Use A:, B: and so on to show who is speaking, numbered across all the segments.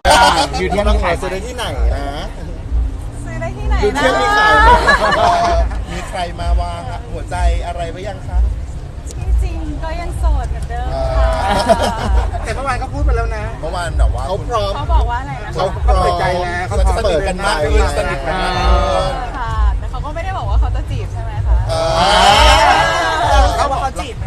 A: อยู่ที่มีขาย
B: ซื้อได้ที่ไหนนะ
C: ซื้อได้ที่ไหน
B: อยู่
C: นะ
B: ที่มีขายไหม
D: มีใครมาวางหัวใจอะไรไว้ยังคะ
C: ที่จริงก็ยังโสดเหมือนเดิมค่ะ
A: แต่เมื่อวานก็พูดไปแล้วนะ
D: เมื่อวานแบบว่า
B: เขาพร้อม
C: เขาบอกว่าอะไรนะ
B: เขา
C: คะ
B: พร้อม
A: เปิดใจแล้วเขา
D: จะเปิดกันมากขึ้นสนิทกันมากขึ้น
C: ค่ะ แต่เขาก็ไม่ได้บอกว่าเขาจะจีบใช่ไหมคะ
A: เขาบอกเขาจีบ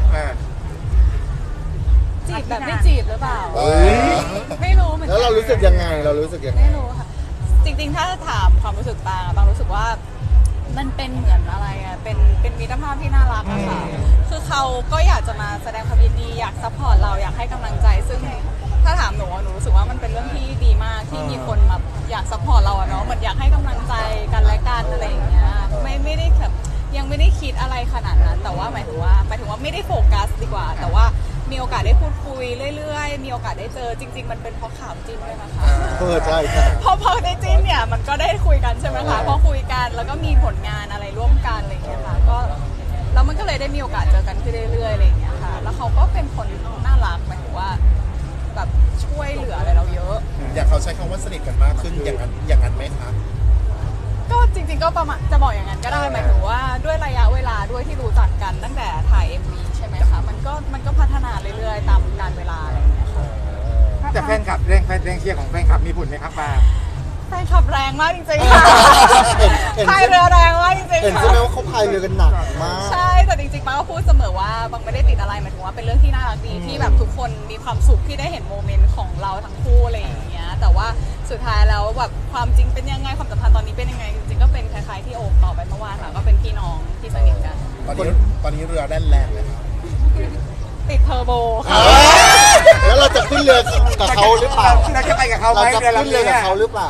C: จีบแบบไม่จีบหรือเปล่า
B: เอ้ย
C: ไม่รู้เหมือนกั
B: แล้วเรารู้สึกยังไงเรารู้สึกยังไง
C: ไม่รู้ค่ะ จริงๆ ถ้าถามความรู้สึกบางรู้สึกว่ามันเป็นเหมือนอะไรอ่ะ เป็นมิตรภาพที่น่ารักอะค่ะ คือเขาก็อยากจะมาแสดงความยินดีอยากซัพพอร์ตเราอยากให้กำลังใจ ซึ่งถ้าถามหนูอะหนูรู้สึกว่ามันเป็นเรื่องที่ดีมากที่มีคนมาอยากซัพพอร์ตเราอะเนาะเหมือนอยากให้กำลังใจกันและกันอะไรอย่างเงี้ยไม่ได้แบบยังไม่ได้คิดอะไรขนาดนั้น แต่ว่าหมายถึงว่าไม่ได้โฟกัสดีกว่า แต่ว่ามีโอกาสได้พูดคุยเรื่อยๆมีโอกาสได้เจอจริง ๆ มันเป็นเพราะข่าวจิ้นด้วยนะคะ
B: ใช่ครับ
C: พอได้จิ้นเนี่ยมันก็ได้คุยกันใช่ไหมคะพอคุยกันแล้วก็มีผลงานอะไรร่วมกันอะไรอย่างเงี้ยค่ะก็แล้วมันก็เลยได้มีโอกาสเจอกันขึ้นเรื่อยๆอะไรอย่างเงี้ยค่ะแล้วเขาก็เป็นคนน่ารักหมายถึงว่าแบบช่วยเหลืออะไรเราเยอะ
D: อย่างเขาใช้คำว่าสนิทกันมากขึ้นอย่างนั้นไหมคะ
C: ก็จริงๆก็ประมาณจะบอกอย่างนั้นก็ได้หมายถึงว่าด้วยระยะเวลาด้วยที่รู้จักกันตั้งแต่ถ่าย MV ใช่ไหมคะมันก็พัฒนาเรื่อยๆตามกาลเวลาอะไรอย่างเงี้ยค่ะ
A: แต่แฟนคลับแรงเชียร์ของแฟนคลับมีผลไหมครับป้า
C: แฟนขับแรงมากจริงๆค่ะ
B: เห็น
C: พายเรือแรงมากจริง
B: เห็น
C: ๆ
B: ใช่
C: ค่ะ
B: ไหมว่าเขาพายเรือกันหนักมาก
C: ใช่แต่จริงๆป้าก็พูดเสมอว่าบางไม่ได้ติดอะไรหมายถึงว่าเป็นเรื่องที่น่ารักดีที่แบบทุกคนมีความสุขที่ได้เห็นโมเมนต์ของเราทั้งคู่อะไรอย่างเงี้ยแต่ว่าสุดท้ายแล้วแบบความจริงเป็นยังไงความสัมพันธ์ตอนนี้เป็นยังไงจริงๆก็เป็นคล้ายๆที่โอบตอบไปเมื่อวานค่ะก็เป็นพี่น้องที่สนิทกัน
D: ตอนนี้เรือแล่นแรงเลยครับ
C: ติดเทอร์โบค่ะ
B: แล้วเราจะขึ้นเรือกับเขาหรือเปล่า
A: เราจะไปกับเขาไหม
B: เราจะขึ้นเรือกับเขาหรือเปล่า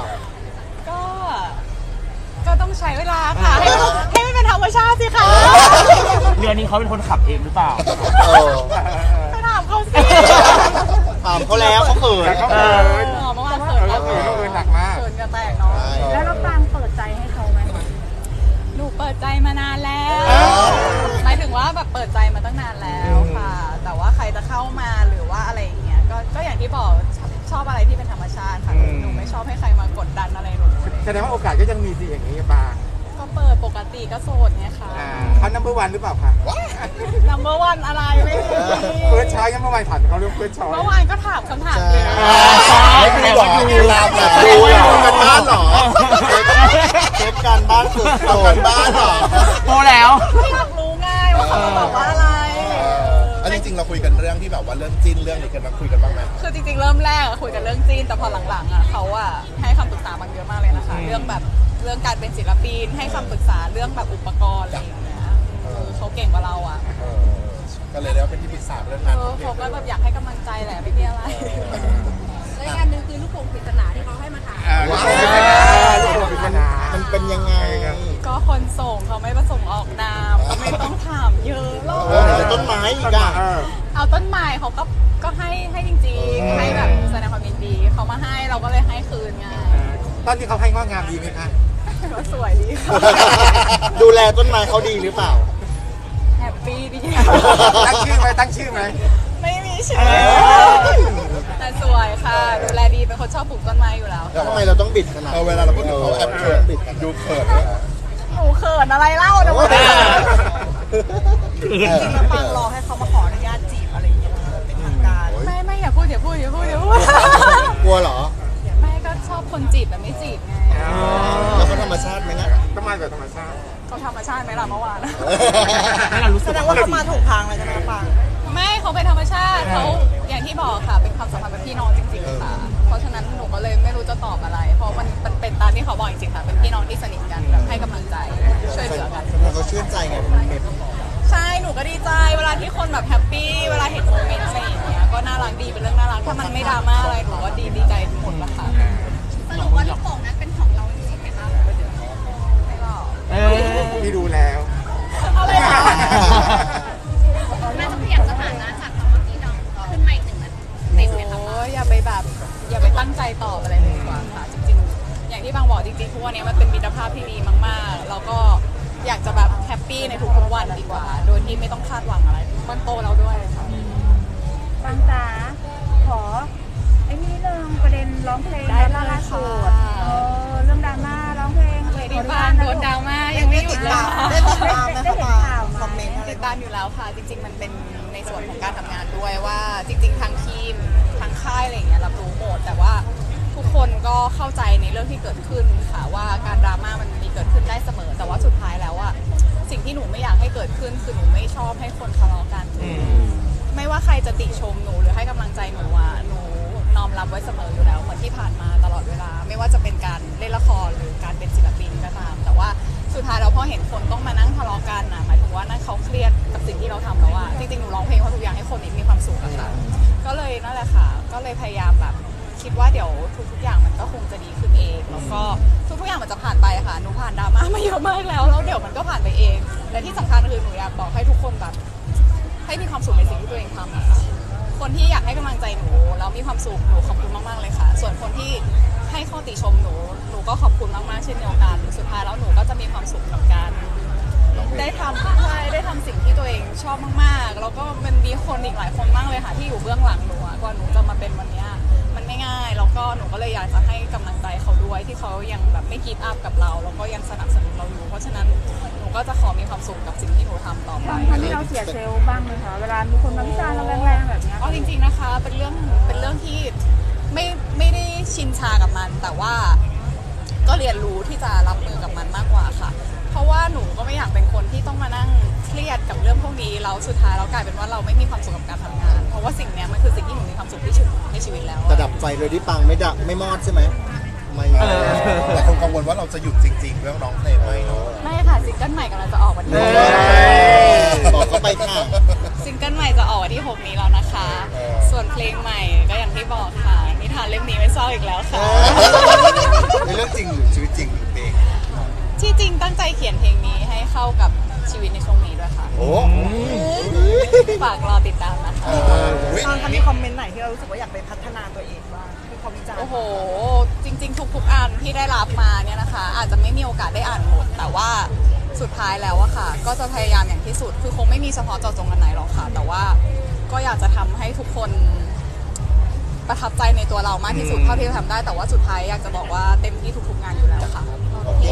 C: ก็ต้องใช้เวลาค่ะให้มันเป็นธรรมชาติสิคะ
E: เรือนี้เขาเป็นคนขับเองหรือเปล่า
B: เออ
C: ไปถามเขาสิ
B: ถามเขาแล้วเขาเขิน
A: แต่เขา
C: เอ
A: เอ
C: อ
A: อ
C: เมื่อวานเขิน
A: เขาเออหนักมาก
C: เขินกันแตกเนาะ
F: แล้วเราปรางเปิดใจให้เขาไหม
C: หนูเปิดใจมานานแล้วหมายถึงว่าแบบเปิดใจมาตั้งนานแล้วค่ะ แต่ว่าใครจะเข้ามาหรือว่าอะไรอย่างเงี้ยก็อย่างที่บอกชอบอะไรที่เป็นธรรมชาติค่ะหนูไม่ชอบให้ใครมากดดันอะไรหนู
A: แสดงว่าโอกาสก็ยังมีสิอย่างนี้ป้า
C: ก็เปิดปกติก็โสดไงค่ะ
A: เขานัมเบอร์วันหรือเปล่าคะ
C: number one อะไรไม่มี
A: เฟิร์สช้อยยังเมื่อวานถามเขาเรื่องเฟิร์สช้อย
C: เมื่อวานก็ถามคำถามเดียว
B: ไม่ดูหรอดูลาแบบดูกันบ้านหรอเช็คการบ้านสุดโสดบ้านหรอ
E: โตแล้ว
C: ไม่อยากรู้ง่ายว่าเขาจะบอกว่าอะไร
D: อันจริงๆเราคุยกันเรื่องที่แบบว่าเรื่องจิ้นเรื่องนี้กันมาคุยกันบ้างไหม
C: คือจริงๆเริ่มแรกอะคุยกันเรื่องจีนแต่พอหลังๆอะเขาอะให้คำปรึกษาบางเยอะมากเลยนะคะ เรื่องแบบเรื่องการเป็นศิลปินให้คำปรึกษาเรื่องแบบอุปกรณ์อะไรอย่างเงี้ยเขาเก่งกว่าเราอะ
D: ก็เลยได้ว่าเป็นที่ปรึกษาเรื่องนั้น
C: เขาก็แบบอยากให้กำลังใจแหละไม่มีอะไร
F: และอีกอันหนึงคือลูกโป่งปริศนาที่เขาให้มาถาม
A: ลูกโป่งปริศนาลูกโป่งปริศนา
B: มันเป็นยังไง
C: ก็คนส่งเขาไม่ประสงค์ออกนามก็ไม่ต้องถามเยอะหรอก
B: แต่ต้นไม้อีกอ่ะ
C: เอาต้นไม้เขาก็ให้จริงๆให้แบบแสดงความยินดีเขามาให้เราก็เลยให้คืนไง
A: ตอนที่เขาให้งอกงามดีไหมคะ
C: ก็สวยดีค่ะ
B: ดูแลต้นไม้เขาดีหรือเปล่า
C: แฮปปี้ดี
A: ตั้งชื่อไหมตั้งชื่อไหม
C: ไม่มีชื่อแต่สวยค่ะ ดูแลดีเป็นคนชอบปลูกต้นไม้อยู่แล้ว
B: แล้วทำไมเราต้องบิดขนาด
D: เวลาเราพูดถึงเขาแอบเขินดูเขินเลย
C: หนูเขินอะไรเล่านะวะ
B: จริง
F: ฟังรอให้เขามาขออนุญาตจีบอะไรอย่างเงี้ยเป็นทางการ
C: ไม่อย่าพูด
B: กลัวเหรอ
C: ไม่ก็ชอบคนจีบแต่ไม่จีบไง
B: แล้วเขาธรรมชาติไหมนะ
A: ต้องมาแบบธรรมชาติ
C: เขาธรรมชาติไหมล่ะเมื่อวาน
E: ให้เรารู้สึ
F: แส
E: ก
F: ดงว่าเขามาถูกทางเลยใช่ไหมปัง
C: ไม่เขาเป็นธรรมชาติเขาอย่างที่บอกค่ะเป็นความสัมพันธ์แบบพี่น้องจริงๆค่ะ เพราะฉะนั้นหนูก็เลยไม่รู้จะตอบอะไร เพราะมันเป็นตามที่เขาบอกจริงๆค่ะเป็นพี่น้องที่สนิทกันแบบให้กำลังใจช่วยเหลือกัน
B: แล้วเขาชื่นใจไงมันเม็ด
C: ใช่ หนูก็ดีใจ เวลาที่คนแบบแฮปปี้ เวลาเห็นโมเมนต์อะไรอย่างเงี้ย ก็น่ารักดี เป็นเรื่องน่ารัก ถ้ามันไม่ดราม่าอะไร หนูก็ดีใจหมดละค่ะ
F: สรุปว่าลูกโป่งนั้นเป็นของเราจริงๆไหมคะ
C: ไม่หรอก
A: พี่ดูแล้ว
C: อะไรนะ
F: น่าจะเปลี่ยนสถานะจากคำว่าพี่น้องขึ้นมาอีกหนึ่งนะติดไหมคะ
C: โอ้ยอย่าไปแบบ อย่าไปตั้งใจตอบอะไรเลยดีกว่าค่ะ จริงๆ อย่างที่บางบอกจริงๆทุกวันนี้มันเป็นมิตรภาพที่ดีมากๆ แล้วก็อยากจะแบบแฮปปี้ในทุกๆวันดีกว่า โดยที่ไม่ต้องคาดหวังอะไรมันโตแล้วด้วยค่ะ
F: ปังจ๋าขอไอ้นี่เลย
G: ประเด็นร้องเพลง
C: ได้เลย
G: ล่าสุด
C: ค่ะ
G: เรื่องดราม่าร้องเพลง
C: เลยที่บ้านโดนดราม่ายังไม่หยุดเลยค่ะ
B: ได้ติดตามไหม
G: ได้เห็น
B: คะ
G: ข่าว
B: คอมเมนต์อะไร
C: ติดตามอยู่แล้วค่ะ จริง ๆ มันเป็นในส่วนของการทำงานด้วยว่าจริง ๆ ทางทีมทางค่ายอะไรอย่างเงี้ยรับรู้หมดแต่ว่าทุกคนก็เข้าใจในเรื่องที่เกิดขึ้นค่ะว่าการดราม่ามันมีเกิดขึ้นได้เสมอ แต่ว่าสุดท้ายแล้วอะสิ่งที่หนูไม่อยากให้เกิดขึ้นคือหนูไม่ชอบให้คนทะเลาะกันไม่ว่าใครจะติชมหนูหรือให้กำลังใจหนูอะหนูน้อมรับไว้เสมออยู่แล้วเหมือนที่ผ่านมาตลอดเวลา ไม่ว่าจะเป็นการเล่นละครหรือการเป็นศิลปินก็ตาม แต่ว่าสุดท้ายเราพอเห็นคนต้องมานั่งทะเลาะกันนะหมายถึงว่านั่นเขาเครียดกับสิ่งที่เราทำแล้วอะจริงๆหนูร้องเพลงเพราะทุกอย่างให้คนนี้มีความสุขอะค่ะก็เลยนั่นแหละค่ะก็เลยพยายามแบบคิดว่าเดี๋ยวทุกๆอย่างมันก็คงจะดีขึ้นเองแล้วก็ทุกๆอย่างมันจะผ่านไปค่ะหนูผ่านดราม่ามาเยอะมากแล้วเดี๋ยวมันก็ผ่านไปเองและที่สำคัญคือหนูอยากบอกให้ทุกคนแบบให้มีความสุขในสิ่งที่ตัวเองทำอะค่ะคนที่อยากให้กำลังใจหนูแล้วมีความสุขหนูขอบคุณมากๆเลยค่ะส่วนคนที่ให้ข้อติชมหนูก็ขอบคุณมากๆเช่นเดียวกันสุดท้ายแล้วหนูก็จะมีความสุขกับการได้ทำสิ่งที่ตัวเองชอบมากๆแล้วก็มันมีคนอีกหลายคนมากเลยค่ะที่อยู่เบื้องหลังหนูอะกว่าหนูจะมาเป็นวันเนี้ยมันไม่ง่ายแล้วก็หนูก็เลยอยากจะให้กำลังใจเขาด้วยที่เขายังแบบไม่กีฟอัพกับเราแล้วก็ยังสนับสนุนเราอยู่เพราะฉะนั้นหนูก็จะขอมีความสุขกับสิ่งที่หนูทำต่อไป
G: ทำให้เราเสียเซลล์บ้างไหมคะเวลามีคนมาวิจารณ์เราแรงๆแบบเนี้ย
C: เอาจริงๆนะคะเป็นเรื่องที่ไม่ได้ชินชากับมัน แต่ว่าก็เรียนรู้ที่จะรับมือกับมันมากกว่าค่ะ เพราะว่าหนูก็ไม่อยากเป็นคนที่ต้องมานั่งเครียดกับเรื่องพวกนี้แล้วสุดท้ายเรากลายเป็นว่าเราไม่มีความสุขกับการทำงาน เพราะว่าสิ่งเนี้ยมันคือสิ่งที่หนูมีความสุขที่สุดในชีวิตแล้ว
B: แต่ดับไฟเลยที่ปังไม่มอดใช่ไหมไม่
D: แต่คนกังวลว่าเราจะหยุดจริง ๆ เรื่องร้องเพลงไหมเนาะ
C: ไม่ค่ะซิงเกิลใหม่กำลังจะออกวันที่
B: บอกเขาไปค่ะ
C: ซิงเกิลใหม่จะออกวันที่6นี้แล้วนะคะ ส่วนเพลงใหม่ก็อย่างที่บอกค่ะนิทานเล่มนี้ไม่เศร้าอีกแล้วค่ะ
D: เป็นเรื่องจริงหรือชีวิตจริงหรือเพลง
C: ที่จริงตั้งใจเขียนเพลงนี้ให้เข้ากับชีวิตในช่วงนี้ด้วยค่ะ
B: โอ้
C: ฝากรอติดตามนะคะ
B: ตอนมีคอมเมนต์ไหนที่เรารู้สึกว่าอยากไปพัฒนาตัวเองบ้างที่เขาวิจารณ์
C: โอ้โห จริง ๆ ทุกๆอันที่ได้รับมาเนี่ยนะคะ อาจจะไม่มีโอกาสได้อ่านหมด แต่ว่าสุดท้ายแล้วอะค่ะ ก็จะพยายามอย่างที่สุด คือคงไม่มีเฉพาะเจาะจงอันไหนหรอกค่ะ แต่ว่าก็อยากจะทำให้ทุกคนประทับใจในตัวเรามากที่สุดเท่าที่จะทำได้ แต่ว่าสุดท้ายอยากจะบอกว่าเต็มที่ทุกๆงานอยู่แล้วค่ะ